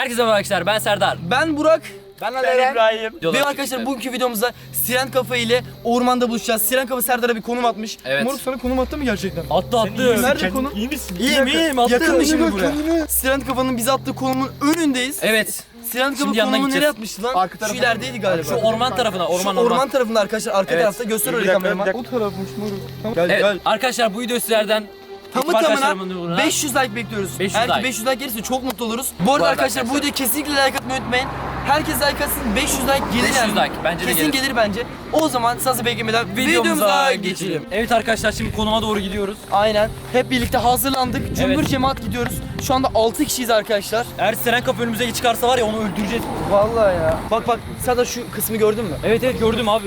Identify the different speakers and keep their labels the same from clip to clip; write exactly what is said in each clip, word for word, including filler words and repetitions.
Speaker 1: Herkese merhaba arkadaşlar, ben Serdar.
Speaker 2: Ben Burak.
Speaker 3: Ben
Speaker 1: Ben İbrahim.
Speaker 2: Ve arkadaşlar bugünkü videomuzda Siren Kafa ile ormanda buluşacağız. Siren Kafa Serdar'a bir konum atmış.
Speaker 1: Evet.
Speaker 2: Moruk sana konum attı mı gerçekten?
Speaker 1: Attı attı.
Speaker 2: Nerede konum?
Speaker 3: İyi misin?
Speaker 1: İyiyim iyiyim attı.
Speaker 2: Yakın mı şimdi
Speaker 3: Önüne,
Speaker 2: buraya?
Speaker 3: önüne.
Speaker 2: Siren Kafa'nın bize attığı konumun önündeyiz.
Speaker 1: Evet.
Speaker 2: Siren Kafa
Speaker 1: Şimdi yanına
Speaker 2: konumu nereye
Speaker 1: gideceğiz.
Speaker 2: atmıştı lan?
Speaker 3: Arka
Speaker 2: Şu
Speaker 3: tarafa.
Speaker 2: ilerideydi galiba.
Speaker 1: Şu orman tarafına, orman
Speaker 2: Şu
Speaker 1: orman.
Speaker 2: orman tarafında arkadaşlar, arka
Speaker 1: Evet.
Speaker 2: tarafta. Göster
Speaker 3: Bir
Speaker 2: orayı
Speaker 3: dakika,
Speaker 2: kameraman.
Speaker 3: bir dakika.
Speaker 2: O tarafmış moruk. Tamam. Gel
Speaker 1: Evet
Speaker 2: gel.
Speaker 1: arkadaşlar bu video sizlerden
Speaker 2: Tamı
Speaker 1: ekip arkadaşlarımın
Speaker 2: tamına
Speaker 1: uğruna-
Speaker 2: beş yüz like bekliyoruz.
Speaker 1: beş yüz
Speaker 2: Eğer ki
Speaker 1: like.
Speaker 2: beş yüz like gelirse çok mutlu oluruz. Bu arada
Speaker 1: arada
Speaker 2: arkadaşlar, bu
Speaker 1: arkadaşlar.
Speaker 2: videoya kesinlikle like atmayı unutmayın. Herkes like atsın, beş yüz like gelir
Speaker 1: beş yüz
Speaker 2: yani.
Speaker 1: like bence de
Speaker 2: Kesin
Speaker 1: gelir.
Speaker 2: gelir bence. O zaman sazı beklemeden videomuza geçelim.
Speaker 1: Evet arkadaşlar şimdi konuma doğru gidiyoruz.
Speaker 2: Aynen. Hep birlikte hazırlandık. Cümbür
Speaker 1: Evet.
Speaker 2: cemaat gidiyoruz. Şu anda altı kişiyiz arkadaşlar.
Speaker 1: Eğer Siren Kapı önümüze çıkarsa var ya onu öldüreceğiz.
Speaker 2: Vallahi ya. Bak bak, sen de şu kısmı gördün mü?
Speaker 1: Evet evet gördüm abi.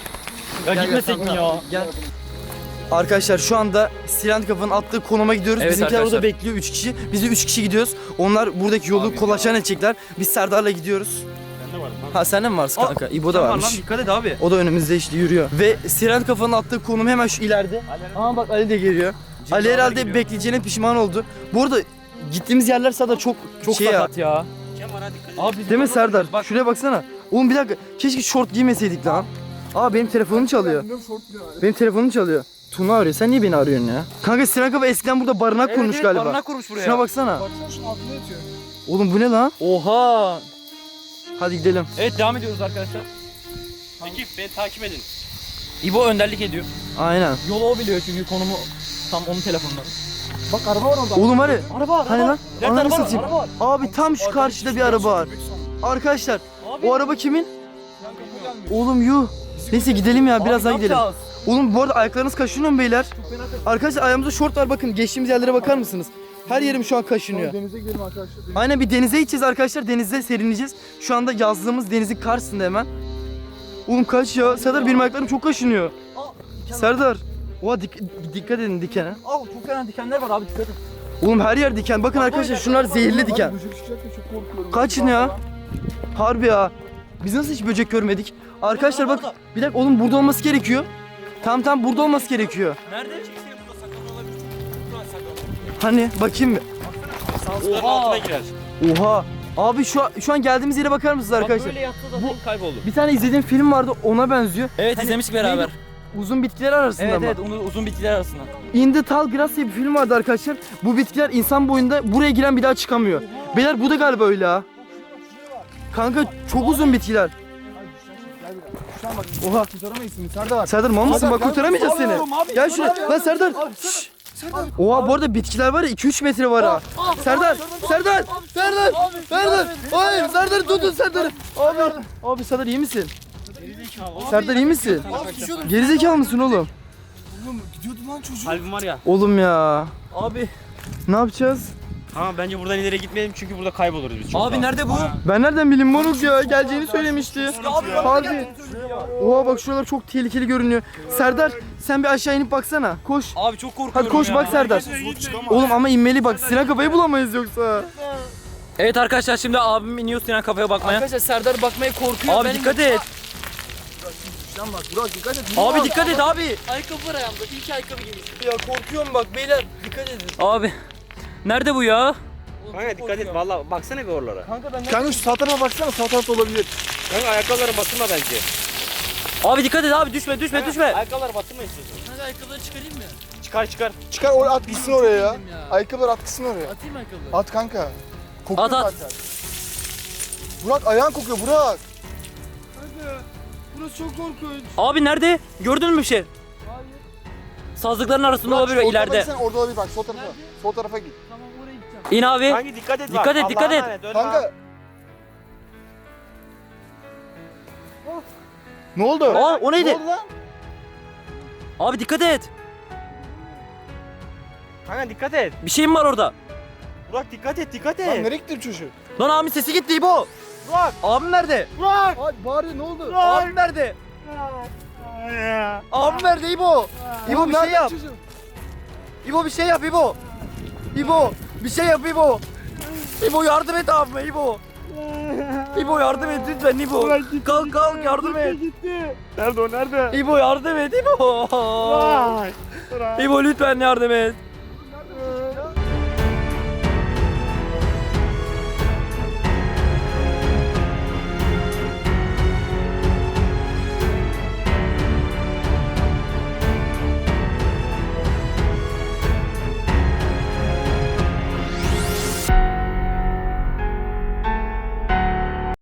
Speaker 1: Ya
Speaker 2: Gel,
Speaker 1: gitmesek
Speaker 2: gel,
Speaker 1: mi
Speaker 2: tamam,
Speaker 1: ya?
Speaker 2: Gel. Arkadaşlar şu anda Siren Kafa'nın attığı konuma gidiyoruz.
Speaker 1: Evet
Speaker 2: Bizimkiler
Speaker 1: arkadaşlar.
Speaker 2: orada bekliyor, üç kişi. Biz de üç kişi gidiyoruz. Onlar buradaki yolu kolaçan edecekler. Biz Serdar'la gidiyoruz.
Speaker 3: Ben de varım.
Speaker 2: Ha sen de mi varsın kanka? İbo da varmış.
Speaker 1: Dikkat et abi.
Speaker 2: O da önümüzde işte yürüyor. Ve Siren Kafa'nın attığı konum hemen şu ileride. Aa bak Ali de geliyor. Ali herhalde bekleyeceğine pişman oldu. Bu arada gittiğimiz yerler Serdar çok
Speaker 1: Çok
Speaker 2: şey ya.
Speaker 1: sakat ya. Abi
Speaker 2: Değil mi Serdar? Bak şuraya baksana. Oğlum bir dakika. Keşke şort giymeseydik lan. Aa benim telefonum çalıyor. Benim telefonum çalıyor. Tuna arıyor. Sen niye beni arıyorsun ya? Kanka Siren Kafa eskiden burada barınak kurmuş galiba.
Speaker 1: Barınak kurmuş buraya.
Speaker 2: Şuna baksana.
Speaker 3: Baksana şunun altında yatıyor.
Speaker 2: Oğlum bu ne lan?
Speaker 1: Oha.
Speaker 2: Hadi gidelim.
Speaker 1: Evet devam ediyoruz arkadaşlar.
Speaker 3: Peki beni takip edin.
Speaker 1: İbo önderlik ediyor.
Speaker 2: Aynen.
Speaker 1: Yolu o biliyor çünkü konumu tam onun telefonunda.
Speaker 3: Bak araba var orada.
Speaker 2: Oğlum hadi.
Speaker 1: Araba var.
Speaker 2: Hani lan?
Speaker 1: Nerede
Speaker 2: Ananı
Speaker 1: araba var?
Speaker 2: satayım.
Speaker 1: Araba var.
Speaker 2: Abi tam şu karşıda bir araba var. Arkadaşlar o araba kimin? Oğlum yuh. Neyse gidelim ya, biraz daha gidelim. Oğlum bu arada ayaklarınız kaşınıyor mu beyler? Arkadaşlar ayağımızda şort var, bakın geçtiğimiz yerlere bakar mısınız? Her yerim şu an kaşınıyor.
Speaker 3: Denize gidelim arkadaşlar.
Speaker 2: Aynen, bir denize gideceğiz arkadaşlar, denizde serinleyeceğiz. Şu anda yazdığımız denizin karşısında hemen. Oğlum kaç ya? Serdar benim ayaklarım çok kaşınıyor. Serdar. Oha dik- dikkat edin dikene.
Speaker 1: Al çok fena dikenler var abi dikkat et.
Speaker 2: Oğlum her yer diken. Bakın arkadaşlar şunlar zehirli diken.
Speaker 3: Böcek çıkacak da çok korkuyorum.
Speaker 2: Kaçın ya. Harbi ya. Biz nasıl hiç böcek görmedik? Arkadaşlar bak, bir dakika oğlum, burada olması gerekiyor. Tam tam burada olması gerekiyor.
Speaker 1: Nerede?
Speaker 2: Hani bakayım bir.
Speaker 1: Oha. Altına girer.
Speaker 2: Oha. Abi şu an, şu an geldiğimiz yere bakar mısınız arkadaşlar?
Speaker 1: Böyle yattı zaten kayboldu.
Speaker 2: Bir tane izlediğim film vardı, ona benziyor.
Speaker 1: Evet
Speaker 2: Hani
Speaker 1: izlemiştik beraber.
Speaker 2: neydi? Uzun bitkiler arasında
Speaker 1: Evet
Speaker 2: mı?
Speaker 1: evet onu uzun bitkiler arasında.
Speaker 2: In the Tall Grass diye bir film vardı arkadaşlar. Bu bitkiler insan boyunda, buraya giren bir daha çıkamıyor. Beyler bu da galiba öyle ha. Kanka çok uzun bitkiler.
Speaker 3: Şuna bak.
Speaker 2: Oha.
Speaker 3: Kurtaramayız seni Serdar.
Speaker 2: Serdar mal mısın?
Speaker 3: Serdar,
Speaker 2: Bak
Speaker 3: gel.
Speaker 2: kurtaramayacağız seni.
Speaker 3: Alıyorum abi,
Speaker 2: Gel şuraya.
Speaker 3: alıyorum.
Speaker 2: Lan Serdar. Şşş. Oha bu arada bitkiler var ya, iki üç metre var ha. Serdar. Serdar. Serdar. Serdar. Hayır Serdar, tutun Serdar. Abi. Abi Serdar iyi misin? Serdar iyi misin? Gerizekalı mısın oğlum?
Speaker 3: Oğlum gidiyordu lan çocuk.
Speaker 4: Kalbim var ya.
Speaker 2: Oğlum ya.
Speaker 1: Abi.
Speaker 2: Ne yapacağız?
Speaker 4: Ama bence buradan ileri gitmeyelim çünkü burada kayboluruz biz çok
Speaker 1: Abi
Speaker 4: daha.
Speaker 1: nerede bu?
Speaker 2: Ben nereden bileyim moruk ya? Geleceğini söylemişti. Harbi. Oha bak şuralar çok tehlikeli görünüyor. Serdar sen bir aşağı inip baksana. Koş.
Speaker 1: Abi çok korkuyorum
Speaker 2: Hadi koş
Speaker 1: ya.
Speaker 2: bak Serdar. Oğlum ama inmeli bak. Sinan Kafa'yı bulamayız yoksa.
Speaker 1: Evet arkadaşlar şimdi abim iniyor Sinan Kafa'ya bakmaya.
Speaker 2: Arkadaşlar Serdar bakmaya korkuyor.
Speaker 1: Abi dikkat et.
Speaker 3: Bak Burak dikkat et.
Speaker 1: Abi dikkat et abi.
Speaker 2: Ayakkabı var ayağımda. İlk ayakkabı giymiştim. Ya korkuyorum bak beyler. Dikkat edin.
Speaker 1: Abi. Nerede bu ya?
Speaker 4: Kanka dikkat et valla baksana bir oralara.
Speaker 2: Kanka ben
Speaker 3: Kanka şu sağ tarafa baksana, sağ tarafta olabilir.
Speaker 4: Kanka ayakkabılara batırma bence.
Speaker 1: Abi dikkat et abi düşme düşme düşme.
Speaker 4: Ayakkabılara batırma istiyorsun.
Speaker 2: Kanka ayakkabıları çıkarayım mı?
Speaker 4: Çıkar çıkar.
Speaker 3: Çıkar oraya, at gitsin oraya ya.
Speaker 2: ya.
Speaker 3: Ayakkabılar at gitsin oraya.
Speaker 2: Atayım ayakkabıları.
Speaker 3: At kanka. Kokuyor
Speaker 1: At, at.
Speaker 3: zaten. Burak ayağın kokuyor Burak.
Speaker 2: Kanka burası çok korkunç.
Speaker 1: Abi nerede? Gördün mü bir şey?
Speaker 2: Hayır.
Speaker 1: Sazlıkların arasında
Speaker 3: Burak,
Speaker 1: olabilir
Speaker 3: sol
Speaker 1: ileride.
Speaker 3: tarafa gitsene, orada olabilir bak, sol tarafa.
Speaker 2: Nerede?
Speaker 3: Sol tarafa git.
Speaker 2: Tamam oraya gideceğim.
Speaker 1: İn abi.
Speaker 4: Kanka dikkat et bak.
Speaker 1: Dikkat et,
Speaker 4: Allah'a
Speaker 1: dikkat et.
Speaker 4: emanet, ölme ha.
Speaker 3: Kanka. Ne oldu?
Speaker 1: Aa o neydi?
Speaker 3: Ne oldu lan?
Speaker 1: Abi dikkat et.
Speaker 4: Kanka dikkat et.
Speaker 1: Bir şey mi var orada?
Speaker 4: Burak dikkat et dikkat
Speaker 3: Lan
Speaker 4: et.
Speaker 3: nereye gitti bu çocuk?
Speaker 1: Lan abi sesi gitti İbo.
Speaker 4: Burak.
Speaker 1: Abim nerede?
Speaker 4: Burak.
Speaker 3: Ay bağırıyor, ne oldu?
Speaker 1: Abim nerede? Abim nerede İbo? İbo bir şey yap. İbo bir şey yap İbo. İbo bir şey yap İbo. İbo yardım et abime İbo. İbo yardım et lütfen İbo. Kalk kalk yardım et.
Speaker 4: Nerede o nerede?
Speaker 1: İbo yardım et İbo.
Speaker 4: Burak.
Speaker 1: İbo lütfen yardım et.